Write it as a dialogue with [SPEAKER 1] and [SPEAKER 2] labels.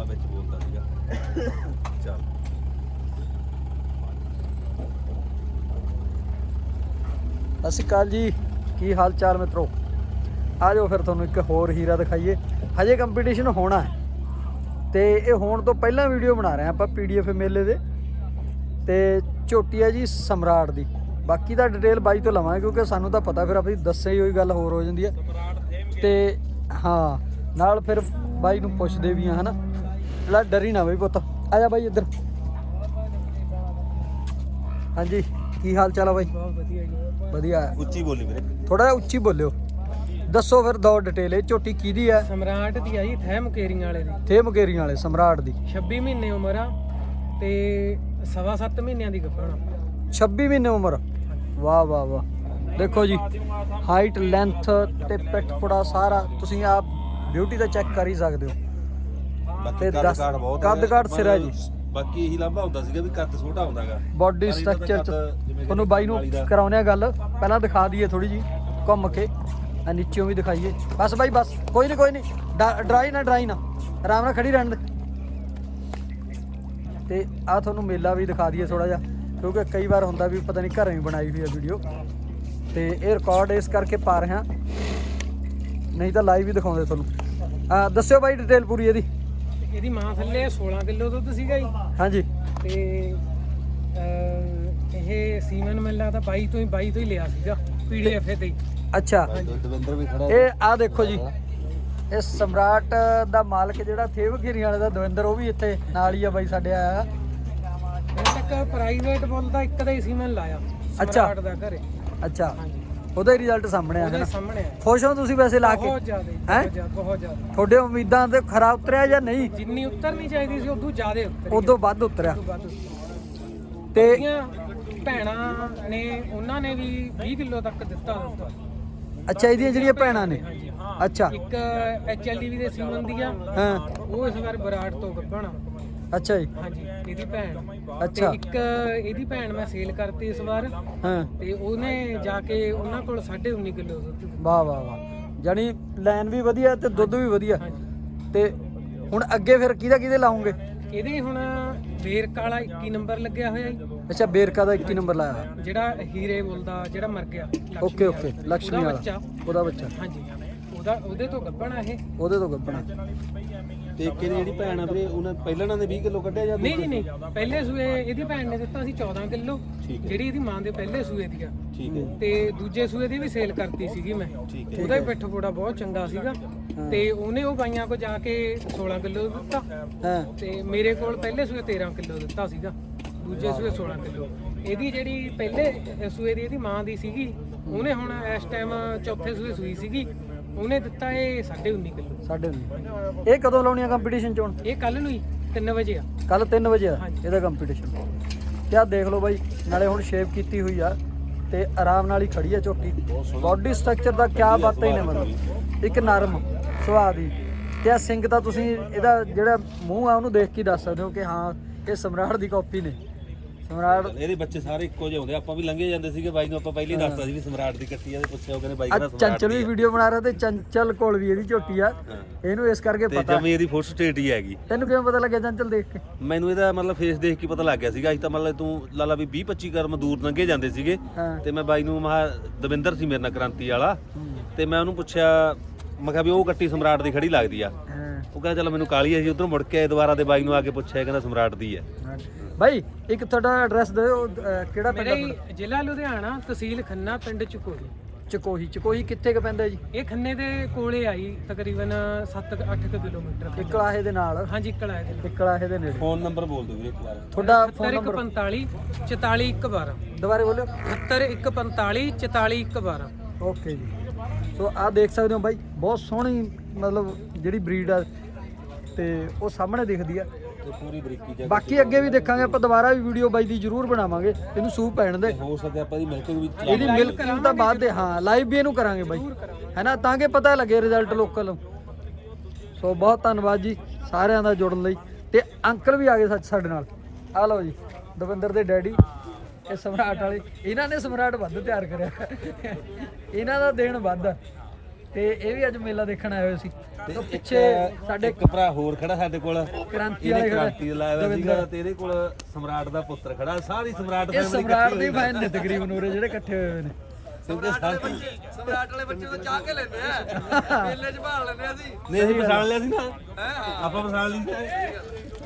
[SPEAKER 1] ਵਾਲਾ ਵਿੱਚ ਬੋਲਦਾ ਸੀਗਾ। ਚੱਲ
[SPEAKER 2] ਸਤਿ ਸ਼੍ਰੀ ਅਕਾਲ ਜੀ, ਕੀ ਹਾਲ ਚਾਲ ਮਿੱਤਰੋ। ਆ ਜਾਓ ਫਿਰ ਤੁਹਾਨੂੰ ਇੱਕ ਹੋਰ ਹੀਰਾ ਦਿਖਾਈਏ। ਹਜੇ ਕੰਪੀਟੀਸ਼ਨ ਹੋਣਾ ਹੈ ਤੇ ਇਹ ਹੋਣ ਤੋਂ ਪਹਿਲਾਂ ਵੀਡੀਓ ਬਣਾ ਰਹੇ ਆਪਾਂ PDF ਮੇਲੇ ਦੇ। ਤੇ ਝੋਟੀ ਹੈ ਜੀ ਸਮਰਾਟ ਦੀ। ਬਾਕੀ ਦਾ ਡਿਟੇਲ ਬਾਈ ਤੋਂ ਲਵਾਂਗੇ ਕਿਉਂਕਿ ਸਾਨੂੰ ਤਾਂ ਪਤਾ, ਫਿਰ ਆਪਣੀ ਦੱਸੇ ਹੋਈ ਗੱਲ ਹੋਰ ਹੋ ਜਾਂਦੀ ਹੈ। ਤੇ ਹਾਂ ਨਾਲ ਫਿਰ ਬਾਈ ਨੂੰ ਪੁੱਛਦੇ ਵੀ ਆ, ਹੈ ਨਾ। ਜਿਹੜਾ ਡਰੀ ਨਾ ਬਈ ਪੁੱਤ, ਆ ਜਾ ਬਾਈ ਇੱਧਰ। ਹਾਂਜੀ ਕੀ ਹਾਲ ਚਾਲ ਆ ਬਾਈ?
[SPEAKER 3] ਬਹੁਤ ਵਧੀਆ ਜੀ।
[SPEAKER 2] ਵਧੀਆ।
[SPEAKER 1] ਉੱਚੀ ਬੋਲੀ ਵੀਰੇ,
[SPEAKER 2] ਥੋੜਾ ਜਿਹਾ ਉੱਚੀ ਬੋਲਿਓ। ਦੱਸੋ ਫਿਰ ਦੋ ਡਿਟੇਲ। ਇਹ ਝੋਟੀ ਕਿਹਦੀ ਹੈ?
[SPEAKER 3] ਸਮਰਾਟ ਦੀ ਆ ਜੀ, ਥੈ ਮੁਕੇਰੀਆਂ ਵਾਲੇ ਦੀ।
[SPEAKER 2] ਥੇ ਮੁਕੇਰੀਆਂ ਵਾਲੇ ਸਮਰਾਟ ਦੀ।
[SPEAKER 3] 26 ਮਹੀਨੇ ਉਮਰ ਆ ਤੇ 7.5 ਮਹੀਨਿਆਂ ਦੀ ਗੱਭਣ ਆ।
[SPEAKER 2] 26 ਮਹੀਨੇ ਉਮਰ। ਵਾਹ ਵਾਹ ਵਾਹ। ਦੇਖੋ ਜੀ ਹਾਈਟ, ਲੈਂਥ ਤੇ ਪਿੱਠ ਪੁੜਾ ਸਾਰਾ ਤੁਸੀਂ ਆਪ ਬਿਊਟੀ ਦਾ ਚੈੱਕ ਕਰ ਹੀ ਸਕਦੇ ਹੋ।
[SPEAKER 1] ਬਾਕੀ
[SPEAKER 2] ਕੱਦ ਕਾਠ ਸਿਰਾ ਜੀ।
[SPEAKER 1] ਬਾਕੀ ਇਹੀ ਲਾਂਭਾ ਹੁੰਦਾ ਸੀਗਾ ਵੀ ਕੱਦ ਛੋਟਾ ਹੁੰਦਾਗਾ।
[SPEAKER 2] ਬਾਡੀ ਸਟਰਕਚਰ ਚ ਤੁਹਾਨੂੰ ਬਾਈ ਨੂੰ ਕਰਾਉਣੇ ਆ ਗੱਲ। ਪਹਿਲਾਂ ਦਿਖਾ ਦਈਏ ਥੋੜੀ ਜੀ ਘੁੰਮ ਕੇ, ਨੀਚਿਓਂ ਵੀ ਦਿਖਾਈਏ। ਬਸ ਬਾਈ ਬਸ, ਕੋਈ ਨਹੀਂ ਡਰਾਈ ਨਾ ਆਰਾਮ ਨਾਲ ਖੜੀ ਰਹਿਣ ਦੇ। ਤੇ ਆ ਤੁਹਾਨੂੰ ਮੇਲਾ ਵੀ ਦਿਖਾ ਦਈਏ ਥੋੜਾ ਜਿਹਾ, ਕਿਉਂਕਿ ਕਈ ਵਾਰ ਹੁੰਦਾ ਵੀ ਪਤਾ ਨਹੀਂ ਘਰੇ ਵੀ ਬਣਾਈ ਹੋਈ ਹੈ ਵੀਡੀਓ, ਤੇ ਇਹ ਰਿਕਾਰਡ ਇਸ ਕਰਕੇ ਪਾ ਰਹੇ ਹਾਂ, ਨਹੀਂ ਤਾਂ ਲਾਈਵ ਵੀ ਦਿਖਾਉਂਦੇ ਤੁਹਾਨੂੰ। ਦੱਸਿਓ ਬਾਈ ਡਿਟੇਲ ਪੂਰੀ ਇਹਦੀ।
[SPEAKER 3] ਇਹਦੀ ਮਾਂ ਥੱਲੇ 16 ਕਿਲੋ ਦੁੱਧ ਸੀਗਾ ਜੀ।
[SPEAKER 2] ਹਾਂਜੀ।
[SPEAKER 3] ਤੇ ਇਹ ਸੀਮਨ ਮਿਲਦਾ ਤਾਂ 22 ਤੋਂ ਹੀ ਲਿਆ ਸੀਗਾ PDF ਤੇ ਹੀ।
[SPEAKER 2] ਅੱਛਾ।
[SPEAKER 1] ਦਵਿੰਦਰ ਵੀ ਖੜਾ।
[SPEAKER 2] ਇਹ ਆ ਦੇਖੋ ਜੀ, ਇਹ ਸਮਰਾਟ ਦਾ ਮਾਲਕ ਜਿਹੜਾ ਥੇਵ ਘੇਰੀ ਵਾਲੇ ਦਾ ਦਵਿੰਦਰ, ਉਹ ਵੀ ਇੱਥੇ ਨਾਲ ਹੀ ਆ ਬਾਈ ਸਾਡੇ ਆਇਆ।
[SPEAKER 3] ਹੁਣ ਤੱਕ ਪ੍ਰਾਈਵੇਟ ਬੁੱਲ ਦਾ ਇੱਕ ਦਾ ਹੀ ਸੀਮਨ ਲਾਇਆ ਸਮਰਾਟ ਦਾ ਘਰੇ।
[SPEAKER 2] ਅੱਛਾ, ਉਹਦਾ ਹੀ ਰਿਜ਼ਲਟ ਸਾਹਮਣੇ ਆ।
[SPEAKER 3] ਉਹਦੇ ਸਾਹਮਣੇ ਆ।
[SPEAKER 2] ਖੁਸ਼ ਹੋ ਤੁਸੀਂ ਵੈਸੇ ਲਾ ਕੇ?
[SPEAKER 3] ਬਹੁਤ ਜ਼ਿਆਦਾ, ਬਹੁਤ ਜ਼ਿਆਦਾ।
[SPEAKER 2] ਤੁਹਾਡੇ ਉਮੀਦਾਂ ਤੇ ਖਰਾ ਉਤਰਿਆ ਜਾਂ ਨਹੀਂ?
[SPEAKER 3] ਜਿੰਨੀ ਉਤਰਨੀ ਚਾਹੀਦੀ ਸੀ ਉਦੋਂ ਜ਼ਿਆਦਾ ਉਤਰੀ।
[SPEAKER 2] ਉਦੋਂ ਵੱਧ ਉਤਰਿਆ।
[SPEAKER 3] ਤੇ
[SPEAKER 2] ਤੇ
[SPEAKER 3] ਭੈਣਾਂ ਨੇ, ਉਹਨਾਂ ਨੇ ਵੀ 20 ਕਿਲੋ ਤੱਕ ਦਿੱਤਾ ਹੁੰਦਾ।
[SPEAKER 2] ਅੱਛਾ, ਇਹਦੀਆਂ ਜਿਹੜੀਆਂ ਭੈਣਾਂ ਨੇ। ਅੱਛਾ।
[SPEAKER 3] ਇੱਕ HLDV ਦੇ ਸੀਮਨ ਦੀ ਆ,
[SPEAKER 2] ਹਾਂ।
[SPEAKER 3] ਉਹ ਇਸ ਵਾਰ ਬਰਾੜ ਤੋਂ ਗੱਭਣ ਆ।
[SPEAKER 2] ਅੱਛਾ ਜੀ।
[SPEAKER 3] ਹਾਂਜੀ, ਇਹਦੀ ਭੈਣ।
[SPEAKER 2] ਅੱਛਾ।
[SPEAKER 3] ਤੇ ਇੱਕ ਇਹਦੀ ਭੈਣ ਮੈਂ ਸੇਲ ਕਰਤੀ ਇਸ ਵਾਰ।
[SPEAKER 2] ਹਾਂ।
[SPEAKER 3] ਤੇ ਉਹਨੇ ਜਾ ਕੇ ਉਹਨਾਂ ਕੋਲ 19.5 ਕਿਲੋ ਦੁੱਧ।
[SPEAKER 2] ਵਾਹ ਵਾਹ ਵਾਹ। ਜਾਨੀ ਲਾਈਨ ਵੀ ਵਧੀਆ ਤੇ ਦੁੱਧ ਵੀ ਵਧੀਆ। ਤੇ ਹੁਣ ਅੱਗੇ ਫਿਰ ਕਿਹਦੇ ਲਾਉਂਗੇ?
[SPEAKER 3] ਇਹਦੇ ਹੁਣ ਬੇਰਕਾ ਵਾਲਾ 21 ਨੰਬਰ ਲੱਗਿਆ ਹੋਇਆ ਜੀ।
[SPEAKER 2] ਅੱਛਾ, ਬੇਰਕਾ ਦਾ 21 ਨੰਬਰ ਲਾਇਆ।
[SPEAKER 3] ਜਿਹੜਾ ਹੀਰੇ ਬੋਲਦਾ, ਜਿਹੜਾ ਮਰ ਗਿਆ।
[SPEAKER 2] ਓਕੇ ਲక్ష్ਮੀ ਵਾਲਾ ਉਹਦਾ ਬੱਚਾ।
[SPEAKER 3] ਹਾਂਜੀ, ਉਹਦੇ ਤੋਂ ਗੱਭਣ ਆ ਇਹ।
[SPEAKER 2] ਉਹਦੇ ਤੋਂ ਗੱਭਣਾ।
[SPEAKER 1] ਤੇ ਇੱਕ ਇਹਦੀ ਜਿਹੜੀ ਭੈਣ ਆ ਵੀਰੇ, ਉਹਨਾਂ ਪਹਿਲਾਂ ਇਹਨਾਂ ਦੇ 20 ਕਿਲੋ ਕੱਢਿਆ ਜਾਂ
[SPEAKER 3] ਨਹੀਂ ਨਹੀਂ, ਪਹਿਲੇ ਸੂਏ ਇਹਦੀ ਭੈਣ ਨੇ ਦਿੱਤਾ ਸੀ 14 ਕਿਲੋ, ਜਿਹੜੀ ਇਹਦੀ ਮਾਂ ਦੇ ਪਹਿਲੇ ਸੂਏ ਦੀ ਆ।
[SPEAKER 1] ਠੀਕ ਹੈ।
[SPEAKER 3] ਤੇ ਦੂਜੇ ਸੂਏ ਦੀ ਵੀ ਸੇਲ ਕਰਤੀ ਸੀਗੀ ਮੈਂ। ਉਹਦਾ ਵੀ ਪਿੱਠ ਪੋੜਾ ਬਹੁਤ ਚੰਗਾ ਸੀਗਾ। ਤੇ ਉਹਨੇ ਉਹ ਗਾਈਆਂ ਕੋ ਜਾ ਕੇ 16 ਕਿਲੋ ਦਿੱਤਾ।
[SPEAKER 2] ਹਾਂ।
[SPEAKER 3] ਤੇ ਮੇਰੇ ਕੋਲ ਪਹਿਲੇ ਸੂਏ 13 ਕਿਲੋ ਦਿੱਤਾ ਸੀਗਾ, ਦੂਜੇ ਸੂਏ 16 ਕਿਲੋ। ਇਹਦੀ ਜਿਹੜੀ ਪਹਿਲੇ ਸੂਏ ਦੀ ਇਹਦੀ ਮਾਂ ਦੀ ਸੀਗੀ, ਉਹਨੇ ਹੁਣ ਇਸ ਟਾਈਮ ਚੌਥੇ ਸੂਏ ਸੂਈ ਸੀਗੀ, ਉਹਨੇ ਦਿੱਤਾ ਇਹ 19.5 ਕਿਲੋ।
[SPEAKER 2] 19.5। ਇਹ ਕਦੋਂ ਲਾਉਣੀ ਆ ਕੰਪੀਟੀਸ਼ਨ ਚ? ਹੁਣ
[SPEAKER 3] ਇਹ ਕੱਲ ਨੂੰ ਹੀ 3 ਵਜੇ ਆ।
[SPEAKER 2] ਕੱਲ 3 ਵਜੇ ਆ ਇਹਦਾ ਕੰਪੀਟੀਸ਼ਨ। ਤੇ ਆ ਦੇਖ ਲਓ ਬਾਈ, ਨਾਲੇ ਹੁਣ ਸ਼ੇਪ ਕੀਤੀ ਹੋਈ ਆ ਤੇ ਆਰਾਮ ਨਾਲ ਹੀ ਖੜੀ ਆ ਝੋਟੀ। ਬਾਡੀ ਸਟਰਕਚਰ ਦਾ ਕਿਆ ਬਾਤਾਂ ਹੀ ਨੇ, ਮਤਲਬ ਇੱਕ ਨਰਮ ਸੁਭਾਅ ਦੀ। ਤੇ ਆ ਸਿੰਘ ਤਾਂ ਤੁਸੀਂ ਇਹਦਾ ਜਿਹੜਾ ਮੂੰਹ ਆ ਉਹਨੂੰ ਦੇਖ ਕੇ ਦੱਸ ਸਕਦੇ ਹੋ ਕਿ ਹਾਂ ਇਹ ਸਮਰਾਟ ਦੀ ਕਾਪੀ ਨੇ। ਸਮਰਾਟ
[SPEAKER 1] ਇਹਦੇ ਬੱਚੇ ਸਾਰੇ ਇੱਕੋ ਜਿਹੇ ਹੁੰਦੇ। ਆਪਾਂ ਵੀ ਲੰਘੇ ਜਾਂਦੇ ਸੀਗੇ, ਬਾਈ ਨੂੰ ਆਪਾਂ ਪਹਿਲਾਂ ਹੀ ਦੱਸਤਾ ਸੀ ਵੀ ਸਮਰਾਟ ਦੀ ਕੱਟੀ ਆ, ਤੇ ਪੁੱਛਿਆ ਉਹ ਕਹਿੰਦੇ ਬਾਈ ਕਹਿੰਦਾ ਸਮਰਾਟ ਦੀ।
[SPEAKER 2] ਚੰਚਲ ਵੀ ਵੀਡੀਓ ਬਣਾ ਰਿਹਾ ਤੇ ਚੰਚਲ ਕੋਲ ਵੀ ਇਹਦੀ ਝੋਟੀ ਆ, ਇਹਨੂੰ ਇਸ ਕਰਕੇ ਪਤਾ।
[SPEAKER 1] ਜਮੀ ਇਹਦੀ ਫੋਟੋ ਸਟੇਟ ਹੀ ਹੈਗੀ।
[SPEAKER 2] ਤੈਨੂੰ ਕਿਵੇਂ ਪਤਾ ਲੱਗਿਆ ਚੰਚਲ ਦੇਖ ਕੇ?
[SPEAKER 1] ਮੈਨੂੰ ਇਹਦਾ ਮਤਲਬ ਫੇਸ ਦੇਖ ਕੇ ਪਤਾ ਲੱਗ ਗਿਆ ਸੀਗਾ। ਅਸੀਂ ਤਾਂ ਮਤਲਬ ਤੂੰ ਲਾਲਾ ਵੀ 20-25 ਕਰਮ ਦੂਰ ਲੰਘੇ ਜਾਂਦੇ ਸੀਗੇ। ਤੇ ਮੈਂ ਬਾਈ ਨੂੰ ਦਵਿੰਦਰ ਸੀ ਮੇਰੇ ਨਾਲ ਕ੍ਰਾਂਤੀ ਵਾਲਾ, ਤੇ ਮੈਂ ਉਹਨੂੰ ਪੁੱਛਿਆ, ਮੈਂ ਕਿਹਾ ਵੀ ਉਹ ਕੱਟੀ ਸਮਰਾਟ ਦੀ ਖੜੀ ਲੱਗਦੀ ਆ। ਉਹ ਕਹਿੰਦਾ ਚਲ ਮੈਨੂੰ ਕਾਲੀ ਆ ਜੀ। ਉਧਰੋਂ ਮੁੜ ਕੇ ਆਏ ਦੁਬਾਰਾ ਤੇ ਬਾਈ ਨੂੰ ਆ ਕੇ ਪੁੱਛਿਆ, ਕਹਿੰਦਾ ਸਮਰਾਟ ਦੀ ਆ।
[SPEAKER 2] ਬਾਈ ਇੱਕ ਤੁਹਾਡਾ ਐਡਰੈਸ ਦਿਓ, ਕਿਹੜਾ ਪਿੰਡ ਆ?
[SPEAKER 3] ਮੇਰਾ ਜ਼ਿਲ੍ਹਾ ਲੁਧਿਆਣਾ, ਤਹਿਸੀਲ ਖੰਨਾ, ਪਿੰਡ ਚਕੋਹੀ।
[SPEAKER 2] ਚਕੋਹੀ ਕਿੱਥੇ ਕ ਪੈਂਦਾ ਜੀ?
[SPEAKER 3] ਇਹ ਖੰਨੇ ਦੇ ਕੋਲੇ ਆਈ, ਤਕਰੀਬਨ 7-8 ਕਿਲੋਮੀਟਰ।
[SPEAKER 2] ਇਕਲਾਹੇ ਦੇ ਨਾਲ?
[SPEAKER 3] ਹਾਂਜੀ, ਇਕਲਾਹੇ ਦੇ।
[SPEAKER 2] ਇਕਲਾਹੇ ਦੇ ਨੇੜੇ।
[SPEAKER 1] ਫੋਨ ਨੰਬਰ ਬੋਲ ਦਿਓ ਵੀਰੇ ਇੱਕ ਵਾਰ
[SPEAKER 2] ਤੁਹਾਡਾ। Phone number
[SPEAKER 3] 45 44 112।
[SPEAKER 2] ਦੁਬਾਰੇ ਬੋਲਿਓ।
[SPEAKER 3] 145 44 112।
[SPEAKER 2] ਓਕੇ ਜੀ। ਸੋ ਆਹ ਦੇਖ ਸਕਦੇ ਹੋ ਬਾਈ, ਬਹੁਤ ਸੋਹਣੀ ਮਤਲਬ ਜਿਹੜੀ ਬਰੀਡ ਆ ਤੇ ਉਹ ਸਾਹਮਣੇ ਦਿਖਦੀ ਆ।
[SPEAKER 1] ਪੂਰੀ ਬਰੀਕੀ ਚ।
[SPEAKER 2] ਬਾਕੀ ਅੱਗੇ ਵੀ ਦੇਖਾਂਗੇ ਆਪਾਂ, ਦੁਬਾਰਾ ਵੀ ਵੀਡੀਓ ਬਾਈ ਦੀ ਜ਼ਰੂਰ ਬਣਾਵਾਂਗੇ। ਇਹਨੂੰ ਸੂਪ ਪੈਣ ਦੇ,
[SPEAKER 1] ਹੋ ਸਕਦਾ ਆਪਾਂ ਦੀ ਮਿਲਕਿੰਗ ਵੀ
[SPEAKER 2] ਇਹਦੀ ਮਿਲਕਿੰਗ ਤਾਂ ਬਾਅਦ ਦੇ। ਹਾਂ, ਲਾਈਵ ਵੀ ਇਹਨੂੰ ਕਰਾਂਗੇ ਬਾਈ, ਹੈ ਨਾ, ਤਾਂ ਕਿ ਪਤਾ ਲੱਗੇ ਰਿਜ਼ਲਟ ਲੋਕਲ। ਸੋ ਬਹੁਤ ਧੰਨਵਾਦ ਜੀ ਸਾਰਿਆਂ ਦਾ ਜੁੜਨ ਲਈ। ਤੇ ਅੰਕਲ ਵੀ ਆ ਗਏ ਸੱਚ ਸਾਡੇ ਨਾਲ। ਆ ਲਓ ਜੀ, ਦਵਿੰਦਰ ਦੇ ਡੈਡੀ, ਇਹ ਸਮਰਾਟ ਵਾਲੇ। ਇਹਨਾਂ ਨੇ ਸਮਰਾਟ ਵੱਧ ਤਿਆਰ ਕਰਿਆ, ਇਹਨਾਂ ਦਾ ਦੇਣ ਵੱਧ। ਤੇ ਇਹ ਵੀ ਅੱਜ ਮੇਲਾ ਦੇਖਣ ਆਏ ਹੋਏ ਸੀ ਤੇ ਪਿੱਛੇ ਸਾਡੇ
[SPEAKER 1] ਇੱਕ ਭਰਾ ਹੋਰ ਖੜਾ ਸਾਡੇ ਕੋਲ
[SPEAKER 2] ਕ੍ਰਾਂਤੀ
[SPEAKER 1] ਇਹਨੇ
[SPEAKER 2] ਵਾਲੇ
[SPEAKER 1] ਕ੍ਰਾਂਤੀ ਲਾਇਆ ਹੋਇਆ ਸੀਗਾ ਤੇ ਇਹਦੇ ਕੋਲ ਸਮਰਾਟ ਦਾ ਪੁੱਤਰ ਖੜਾ ਸਾਰੀ ਸਮਰਾਟ
[SPEAKER 2] ਇਹ ਸਮਰਾਟ ਦੇ ਫੈਨ ਨੇ ਤਕਰੀਬਨ ਉਰੇ ਜਿਹੜੇ ਇਕੱਠੇ ਹੋਏ ਹੋਏ ਨੇ
[SPEAKER 1] ਸਮਰਾਟ
[SPEAKER 4] ਵਾਲੇ ਬੱਚੇ ਤੋਂ ਚਾਹ ਕੇ ਲੈਂਦੇ ਆ ਮੇਲੇ 'ਚ ਭਾਲ ਲੈਂਦੇ ਅਸੀਂ
[SPEAKER 1] ਨਹੀਂ ਅਸੀਂ ਪਛਾਣ ਲਿਆ ਸੀ ਨਾ ਆਪਾਂ ਪਛਾਣ ਲਈ ਸੀ